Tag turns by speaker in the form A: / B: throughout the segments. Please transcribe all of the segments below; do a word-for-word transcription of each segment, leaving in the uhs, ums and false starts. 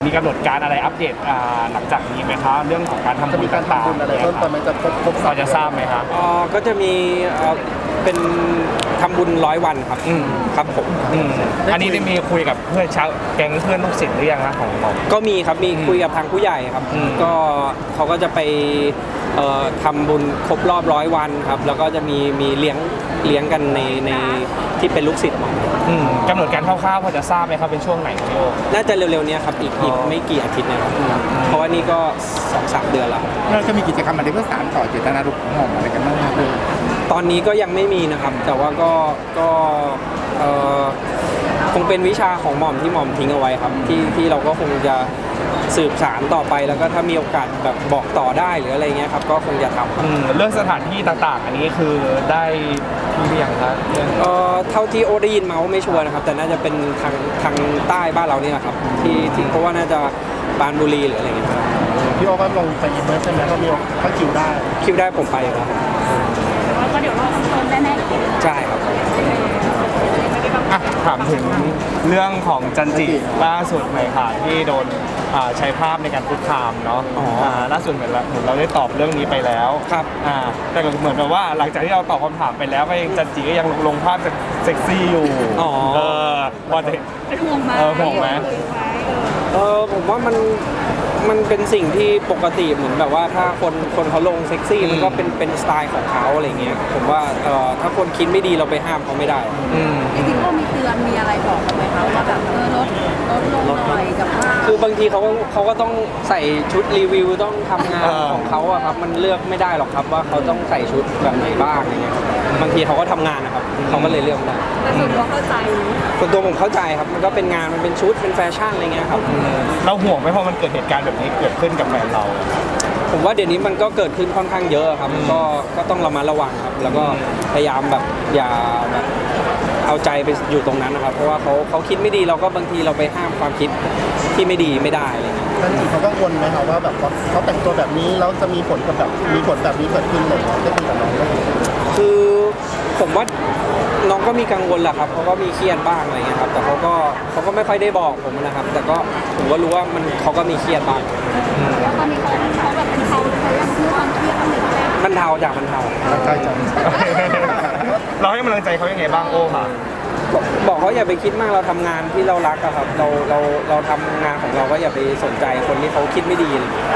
A: มีกำหนดการอะไรอัปเดตหลังจากนี้ไหมคะเรื่องของการทำ
B: จะ
A: บุ
B: มี
A: ญ
B: การ
A: ต่าง
B: ทำบุญอะไรเพิ่มเติมไหมจะครบครบ
A: ๆพอจะทราบไหมคะ
C: อ๋อก็จะมีเอ่อเป็นทำบุญร้อยวันครับ
A: อืม
C: ครับผม
A: อืมอันนี้ได้มีคุยกับเพื่อนชาวแก๊งเพื่อนลูกศิษย์หรือยังคะของหมอ
C: ก็มีครับมีคุยกับทางผู้ใหญ่ครับ
A: อืม
C: ก็เขาก็จะไปเอ่อทำบุญครบรอบร้อยวันครับแล้วก็จะมีมีเลี้ยงเลี้ยงกันในในที่เป็นลูกศิษย์หมอ
A: อืมกำหนดการคร่าวๆพอจะทราบไหมครับเป็นช่วงไหนครับพี่โอ
C: น่าจะเร็วๆเนี้ครับอีกอีก
A: อ๋อ
C: ไม่กี่อาทิตย์นะครับเพราะว่านี่ก็สองสามเดือนแล้ว
B: เราจะมีกิจกรรมอะไรเพื่อสานต่อเจตนารมณ์ของหม่อมอะไรกันบ้างครับ
C: ตอนนี้ก็ยังไม่มีนะครับ แต่ว่าก็ก็เอ่อคงเป็นวิชาของหม่อมที่หม่อมทิ้งเอาไว้ครับที่ที่เราก็คงจะสืบสารต่อไปแล้วก็ถ้ามีโอกาสแบบบอกต่อได้หรืออะไรเงี้ยครับก็คงจะทำครับ
A: อืมเรื่องสถานที่ต่างๆ อันนี้คือได้ที่เรียงครับเรื่อง
C: เอ่อเท่าที่โอได้ยินมาว่าไม่ชัวร์นะครับแต่น่าจะเป็นทางทางใต้บ้านเราเนี่ยครับที่ที่เพราะว่าน่าจะปรานบุรีหรืออะไรเงี้ยครับ
B: พี่โอก็ลงไปยิมเมอร์ใช่ไหมก็มีก็คิวได้
C: คิวได้ผมไปอยู่แล้วครับ
D: ก็เดี๋ยวรอคอนเฟิร์มแน่ๆ
C: ใช่ครับ
A: อ่ะถามถึงเรื่องของจันจิล่าสุดหน่อยค่ะที่โดนอ่าใช้ภาพในการคุกคามเนาะ
C: อ๋ออ่
A: าล่าสุดเหมือนเราเหมือนเราได้ตอบเรื่องนี้ไปแล้ว
C: ครับ
A: อ่าแต่ก็เหมือนแบบว่าหลังจากที่เราตอบคำถามไปแล้วก็ยังจันจิก็ยังลงลงภาพเซ็กซี่อยู่
C: อ๋อ
A: เออว่าจะ
D: เป็นห่วงไหม
A: เออห่วงไหม
C: เออผมว่ามันมันเป็นสิ่งที่ปกติเหมือนแบบว่าถ้าคนคนเขาลงเซ็กซี่มันก็เป็นเป็นสไตล์ของเขาอะไรเงี้ยผมว่าเออถ้าคนคิดไม่ดีเราไปห้ามเขาไม่ได้
A: อืม
D: จริงๆก็มีเตือนมีอะไรบอกกันไหมคะว่าแบบเออลดลดลงหน่อยกับว่า
C: คือบางทีเขาก็เขาก็ต้องใส่ชุดรีวิวต้องทำงานของเขาอะครับมันเลือกไม่ได้หรอกครับว่าเขาต้องใส่ชุดแบบไหนบ้างอะไรเงี้ยครับบางทีเขาก็ทำงานนะครับเขาก็เลยเลือกไม่ได้
D: แต่ส่วนตัวเข้าใจ
C: ส่วนตัวผมเข้าใจครับมันก็เป็นงานมันเป็นชุดเป็นแฟชั่นอะไรเงี้ยครับ
A: เราห่วงไหมเพราะมันเกิดเหตุการณ์แบบนี้เกิดขึ้นกับแฟนเรา
C: ผมว่าเดี๋ยวนี้มันก็เกิดขึ้นค่อนข้างเยอะครับก็ก็ต้องระมัดระวังครับ แล้วก็พยายามแบบอย่าแบบเอาใจไปอยู่ตรงนั้นนะครับ เพราะว่าเขาเขาคิดไม่ดีเราก็บางทีเราไปห้ามความคิดที่ไม่ดีไม่ได้อะไรเงี้ย
B: ท่านจีเขากังวลไหมครับว่าแบบว่าเขาแต่งตัวแบบนี้แล้วจะมีผลกับแบบมีผลแบบนี้เกิดขึ้นเลยจะคุยกับน้องได้ไหม
C: คือผมว่าน้องก็มีกังวลแหละครับเขาก็มีเครียดบ้างอะไรเงี้ยครับแต่เขาก็เขาก็ไม่ค่อยได้บอกผมนะครับ แต่ก็ผมก็รู้ว่ามันเขาก็มีเครียดบ้าง
D: แล้วตอนนี้เขาเขาแบบเป็นเขาเขายังมีความเครียดกันอยู่แล้ว
C: มันเทาจากมันเทา
B: ใช่จัง
A: เราให้กำลังใจเขายังไงบ้างโอ้ค่ะ
C: บอกเขาอย่าไปคิดมากเราทำงานที่เรารักอะครับเราเราเราทำงานของเราก็อย่าไปสนใจคนที่เขาคิดไม่ดีอะไรเงี้ย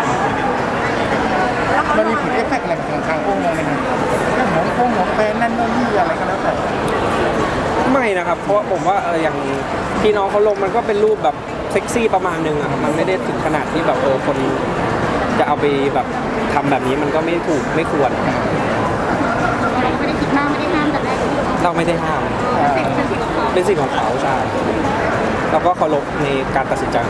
B: มันมีผลเอฟเฟกต์อะไรของทางโอ้มองไหมครับเรื่องของโอ้ของแฟนนั่นนู่นนี่อะไรก็แล้วแต่
C: ไม่นะครับ เพราะว่าผมว่าเอออย่างที่น้องเขาลงมันก็เป็นรูปแบบเซ็กซี่ประมาณนึงอะครับมันไม่ได้ถึงขนาดที่แบบเออคนจะเอาไปแบบทำแบบนี้มันก็ไม่ถูกไม่ควร
D: เราไม่ได้คิดมากไม่ได้ห้ามแต่แรก
C: เราไม่ได้ห้าม
D: เป็นสิ่งเป็นสิ่งของเขา
C: เป็นสิ่งของเขาใช่เราก็เคารพในการตัดสินใจ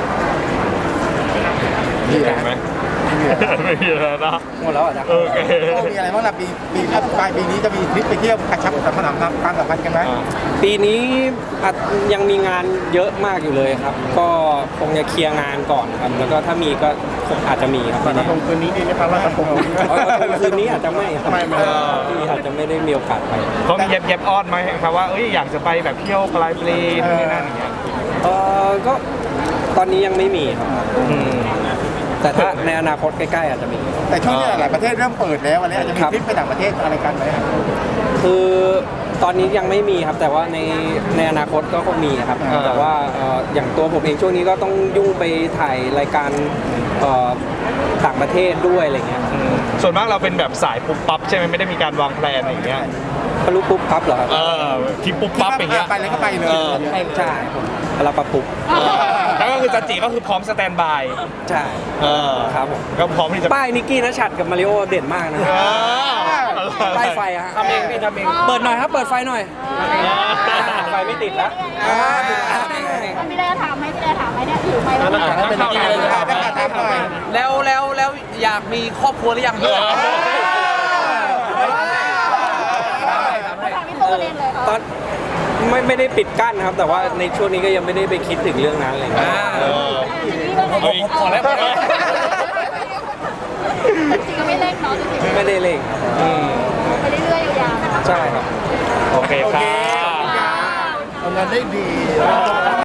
A: มีอะไรไหมไม่มีแล้วนะ
C: หมดแล้วอ่ะนะ
A: โอเค
B: โอ้มีอะไรบ้างล่ะปีปีปลายปีนี้จะมีทริปไปเที่ยวกระชับสัมพันธ์ความสัมพันธ์กันไหม
C: ปีนี้อาจยังมีงานเยอะมากอยู่เลยครับ ก็คงจะเคลียร์งานก่อนครับ แล้วก็ถ้ามีก็คงอาจจะมีครับ
B: ตอนกระทงคืนนี้ดีไหมครับว่ากระทง
C: เออคืนนี้อาจจะไม่ครับ
B: ไม่ไม่
C: ที่อาจจะไม่ได้มีโอกาสไป
A: เขามีเย็บเย็บอ้อนไหมครับว่าเอ้ยอยากจะไปแบบเที่ยวปลายปีนี่นั่นอย่างเงี้ย
C: เออก็ตอนนี้ยังไม่มีครับ
A: อืม
C: แต่ถ้าในอนาคตใกล้ๆอาจจะมี
B: แต่ช่วงนี้หลายประเทศเริ่มเปิดแล้ววันนี้อาจจะมี
C: ครับ
B: ทริปไปต่างประเทศอะไรกันไหมครับ
C: คือตอนนี้ยังไม่มีครับแต่ว่าในในอนาคตก็คงมีครับ
A: อ่า
C: แต่ว่าเอ่ออย่างตัวผมเองช่วงนี้ก็ต้องยุ่งไปถ่ายรายการเอ่อต่างประเทศด้วยอะไรเงี้ย
A: อืมส่วนมากเราเป็นแบบสายปุ๊บปั๊บใช่ไหมไม่ได้มีการวางแผนอย่างเงี้ย
C: ปลุกปุ๊บปั๊บเหรอครับ
A: เออที่ปุ๊บปั๊บอย่างเงี้ย
B: ไปเลยก็ไปเลย
A: ออ
C: ใช่ผมเราปะปุบ
A: แล้วก็คือจันจิก็คือพร้อมสแตนบาย
C: ใช่
A: เออ
C: ครับผม
A: ก็พร้อมที่จะ
C: ป้ายนิกกี้นัชัดกับมาริโอเด่นมากนะ
A: เออ
C: ป้ายไฟอะฮะ
A: ทำเองพี่ทำเอง
C: เปิดหน่อยครับเปิดไฟหน่อยไฟไม่ติดแล้ว
D: พี่ได้ถามไหมพี่ได้ถามไหมเนี่ยถือไหมแล้ว
A: อ่ะ
B: เป็นยังไงเลยครับถามหน่อย
E: แล้วแล้วแล้วอยากมีครอบครัวหรือยังพี่
D: ถามพี่ตัวเองเลย
C: ตอนไม่ไม่ได้ปิดกั้นนะครับ แต่ว่าในช่วงนี้ก็ยังไม่ได้ไปคิดถึงเรื่องนั้นอะไรเงี้ย
A: เออ
D: เอาอีก
A: พอแล้วพอแล้ว
D: จริงก็ไม่เล่นเนาะจริง
C: ไม่ได้เร่งครับ
A: อืม
D: ๆไปเรื่อยๆยาวๆ
C: ใช่ครับ
A: โอเคครับ
B: ทำงานได้ดี